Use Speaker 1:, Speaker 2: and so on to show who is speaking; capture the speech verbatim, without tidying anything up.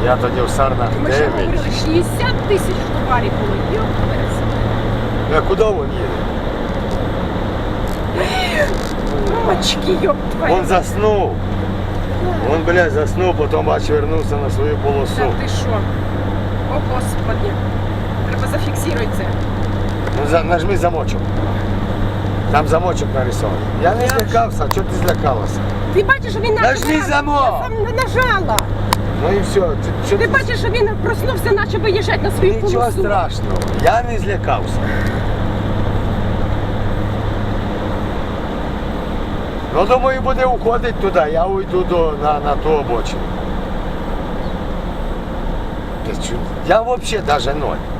Speaker 1: Я тоді в Сарнах
Speaker 2: Ми ще
Speaker 1: дев'ять.
Speaker 2: говорили, шістдесят тисяч товарів було. Йо,
Speaker 1: А куди він їде?
Speaker 2: мамочки, йоп твою.
Speaker 1: Він заснув. Він, блядь, заснув, потім бач, вернувся на свою полосу.
Speaker 2: Та ти що? О, Господи. Треба зафіксувати це.
Speaker 1: Ну, за, нажми замочок. Там замочок нарисований. Я не злякався, а чого ти злякалася?
Speaker 2: Ти бачиш, що він
Speaker 1: Нажми
Speaker 2: наче-
Speaker 1: замок!
Speaker 2: Я сам не нажала.
Speaker 1: Ну і все. Ти, що
Speaker 2: Ти бачиш, що він проснувся, наче виїжджати на свою
Speaker 1: Нічого
Speaker 2: полосу.
Speaker 1: страшного. Я не злякався. Ну, думаю, буде уходити туди, я уйду до, на, на ту обочину. Ти чу- Я взагалі навіть ноль.